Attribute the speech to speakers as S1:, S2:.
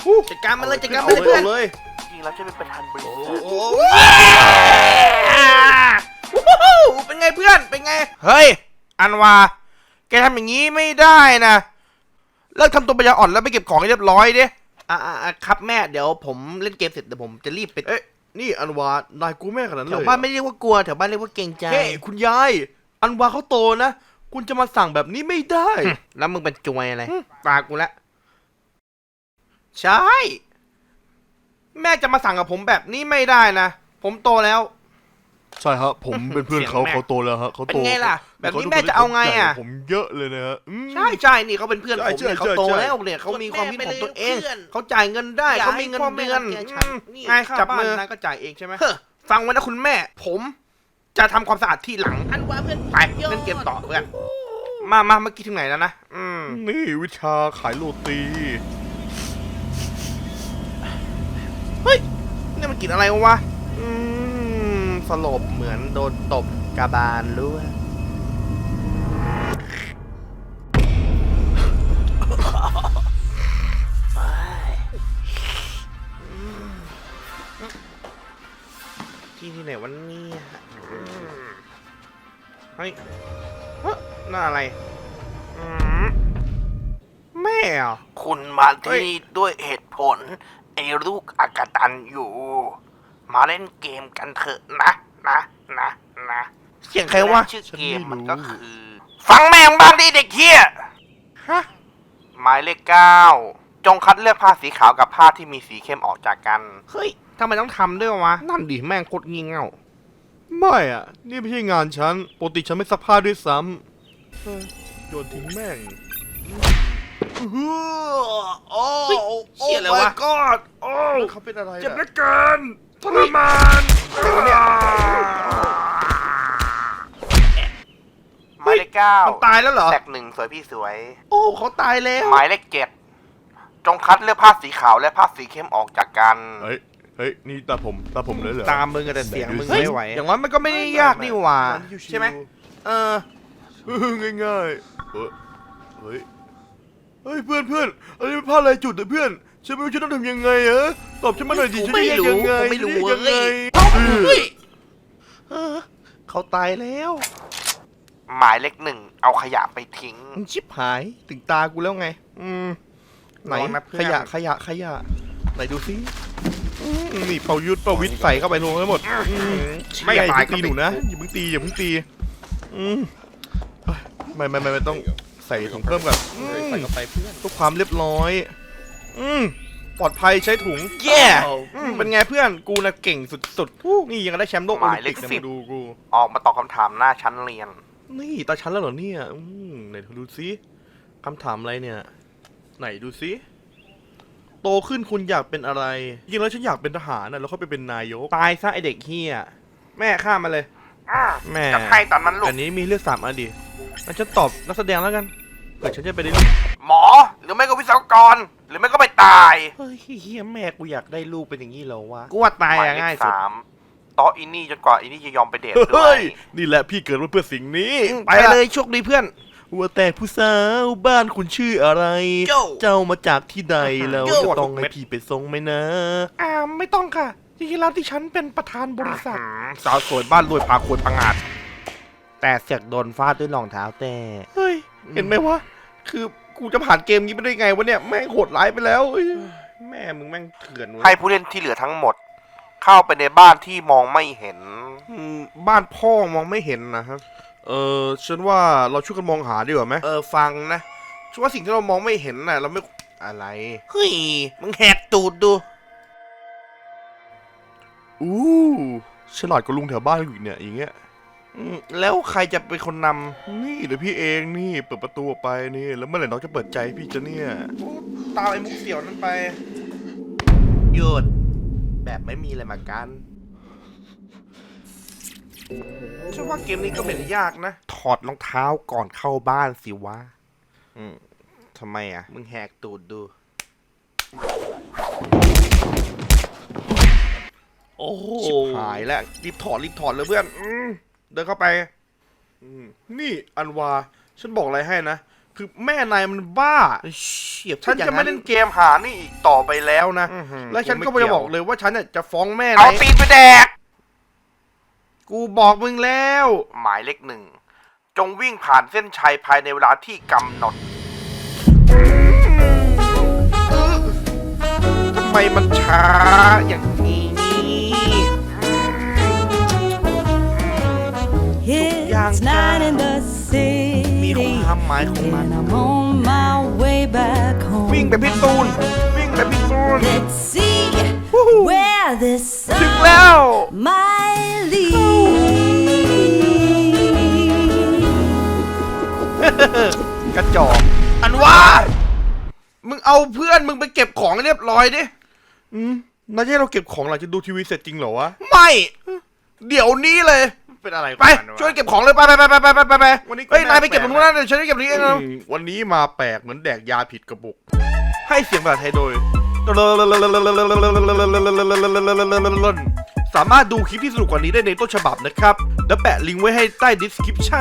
S1: จัดการมันเลยจัดการมันเลยเพื่อน
S2: จริงแล้วจะเป็นประธานบริษัท
S1: เป็นไงเพื่อนเป็นไงเฮ้ยอันวาแกทำอย่างนี้ไม่ได้นะเลิกทำตัวปัญญาอ่อนแล้วไปเก็บของให้เรียบร้อยดิครับแม่เดี๋ยวผมเล่นเกมเสร็จเดี๋ยวผมจะรีบไป
S3: นี่อันวานายกูแม่ขนาดนั้นเลย
S1: แถวบ้านไม่เรียกว่ากลัวแถวบ้านเรียกว่าเกรงใจ
S3: เฮ้คุณยายอันวาเขาโตนะคุณจะมาสั่งแบบนี้ไม่ได้
S1: แล้วมึงเป็นจวยอะไรตากูละใช่ แม่จะมาสั่งกับผมแบบนี้ไม่ได้นะผมโตแล้ว
S3: ใช่ครับผมเป็นเพื่อนเขาโตแล้วฮะเขาโต
S1: เป็นไงล่ะแบบนี้แม่จะเอาไงอ่ะ
S3: ผมเยอะเลยนะฮะ
S1: ใช่นี่เขาเป็นเพื่อนผมเนี่ยเขาโตแล้วเนี่ยเขามีความคิดของตัวเองเขาจ่ายเงินได้เขามีเงินเดือนไงจับมือก็จ่ายเองใช่ไหมฟังไว้นะคุณแม่ผมจะทำความสะอาดที่หลังอันว่าเพื่อนไปเล่นเกมต่อเพื่อนมาเมื่อกี้ถึงไหนแล้วนะ
S3: นี่วิชาขายโรตี
S1: เฮ้ยนี่มันกินอะไรวะสลบเหมือนโดนตบกระบาลรู้ที่ไหนวันนี้เฮ้ยน่าอะไรแม่อ่ะ
S2: คุณมาที่นี่ด้วยเหตุผลไอ้ลูกอกตันอยู่มาเล่นเกมกันเถอะนะ
S1: เสียงใครวะ
S2: ชื่อเกมมันก็คือฟังแม่งบ้างดิเด็กเฮีย
S1: ฮะ
S2: หมายเลข9จงคัดเลือกผ้าสีขาวกับผ้าที่มีสีเข้มออกจากกัน
S1: เฮ้ยทำไมต้องทำด้วยวะนั่นดิแม่งโคตรงี่เง่า
S3: ไม่อ่ะนี่ไม่ใช่งานฉันปกติฉันไม่ซักผ้าด้วยซ้ำโยนทิ้งแม่ง
S1: โอ้เชี่ยเลยวะ
S3: ก็โอ้เขาเป็นอะไร
S1: เจ็บเหลือเกินทรมาน
S2: หมายเลข9
S1: มันตายแล้วเหรอ
S2: แตก1สวยพี่สวย
S1: โอ้เขาตายแล้ว
S2: หมายเลข7จงคัดเลือกผ้าสีขาวและผ้าสีเข้มออกจากกัน
S3: เฮ้ยนี่ตาผมเลยเหรอ
S1: ตามมึงแต่เสียงมึงไม่ไหวอย่างนั้นมันก็ไม่ได้ยากนี่หว่าใช่ไหม
S3: ง่ายเฮ้ยเพื่อนอันนี้เป็นผ้าลายจุดเพื่อนฉันไม่รู้จะต้องทำยังไงตอบฉันมาหน่อยดิฉันจะยังไง
S1: ไม่รู้เขาตายแล้ว
S2: หมายเลข1เอาขยะไปทิ้ง
S1: ชิบหายถึงตากูแล้วไงไหนขยะไหนดูซินี่เป่ายุทธเป่าวิทย์ใส่เข้าไปรวมทั้งหมดไม่ตายตีหนูนะอย่าเพิ่งตีไม่ต้องใส่ถุงเพิ่มก่อนใส่เข้าไปเพื่อนเพื่อความเรียบร้อยปลอดภัยใช้ถุงแย่เป็นไงเพื่อนกูนะเก่งสุดๆนี่ยังได้แชมป์โลก
S2: หมายเลข10
S1: ดูกู
S2: ออกมาตอบคำถามหน้าชั้นเรียน
S1: นี่ตาชั้นแล้วเหรอเนี่ยไหนดูซิคำถามอะไรเนี่ยไหนดูซิโตขึ้นคุณอยากเป็นอะไรจริงแล้วฉันอยากเป็นทหารนะแล้วเขาไปเป็นนายกตายซะไอเด็กเฮียแม่ฆ่ามาเลยแม่
S2: จะให้ตอนนั้นลูก
S1: อันนี้มีเลือก3อันดิงั้นฉันตอบนักแสดงแล้วกันเกิดฉันจะไปได้
S2: หมอหรือไม่ก็วิศวกรหรือไม่ก็ไปตาย
S1: เฮ้ยเฮียแม่กูอยากได้ลูกเป็นอย่างนี้เหรอวะกูว่าตายง่ายสุด
S2: ต่ออินนี่จนกว่าอินนี่จะยอมไปเดทด้วย
S3: นี่แหละพี่เกิดมาเพื่อสิ่งนี้
S1: ไปเลยโชคดีเพื่อน
S3: ว่าแต่ผู้สาวบ้านคุณชื่ออะไรเจ้ามาจากที่ใดแล้วจะต้องให้พี่ไปส่งไหมนะ
S1: ไม่ต้องค่ะจริงๆแล้วที่ฉันเป็นประธานบริษัทสาวสวยบ้านรวยพาควรพังอาจแต่เสียกโดนฟาดด้วยรองเท้าแต่เฮ้ยเห็นไหมวะคือกูจะผ่านเกมนี้ไปได้ไงวะเนี่ยแม่งโหดร้ายไปแล้วแม่มึงแม่งเถื่อน
S2: ให้ผู้เล่นที่เหลือทั้งหมดเข้าไปในบ้านที่มองไม่เห็น
S1: บ้านพ่อมองไม่เห็นนะครับฉันว่าเราช่วยกันมองหาดีกว่าไหมฟังนะช่วยสิ่งที่เรามองไม่เห็นน่ะเราไม่อะไรเฮ้ยมึงแหกตูดดู
S3: ฉลาดกว่าลุงแถวบ้านอยู่เนี่ยอย่างเงี้ย
S1: แล้วใครจะเป็นคนน
S3: ำนี่เดี๋ยวพี่เองนี่เปิดประตูไปนี่แล้วเมื่อไหร่น้องจะเปิดใจพี่จะเนี่ย
S1: ตามไอ้มุกเสี่ยวนั้นไปหยุดแบบไม่มีอะไรมากันฉันว่าเกมนี้ก็ไม่ได้ยากนะถอดรองเท้าก่อนเข้าบ้านสิวะทำไมอ่ะมึงแหกตูดดูโอ้โหชิบหายแล้วรีบถอดเลยเพื่อนเดินเข้าไป
S3: นี่อันวาฉันบอกอะไรให้นะคือแม่นายมันบ้า
S1: เฉียบ
S3: ฉันจะไม่เล่นเกมหานี่อีกต่อไปแล้วนะ และฉันก็จะบอกเลยว่าฉันเนี่ยจะฟ้องแม่
S2: เอา
S3: นาย
S2: ตีนไปแดก
S3: กูบอกมึงแล้ว
S2: หมายเลข 1 จงวิ่งผ่านเส้นชัยภายในเวลาที่กำหนด
S3: ทำไมมันช้าอย่างนี้
S4: It's night in the
S3: มี
S4: city
S3: ความหมายของมัน
S4: and I'm on my way back
S3: วิ่ง
S4: home.
S3: แบบพี่ตูน วิ่งแบบพี่ตูน
S4: Let's see where this
S3: ถึง
S4: sun
S3: แล้ว
S4: might lead.
S3: กระจอกอันว่ามึงเอาเพื่อนมึงไปเก็บของเรียบร้อยดินายจะให้เราเก็บของหลังจากดูทีวีเสร็จจริงเหรอวะ ไม่ เดี๋ยวนี้เลย
S1: เป็นอะไร
S3: ไป ช่วยเก็บของเลยไป
S1: วันนี้
S3: เฮ้ยนายไปเก็บตรงนู้นนะเดี๋ยวฉันจะเก็บตรงนี้เองนะวันนี้มาแปลกเหมือนแดกยาผิดกระปุก ให้เสียงภาษาไทยโดย สามารถดูคลิปที่สนุกกว่านี้ได้ในต้นฉบับนะครับ แล้วแปะลิงก์ไว้ให้ใต้ description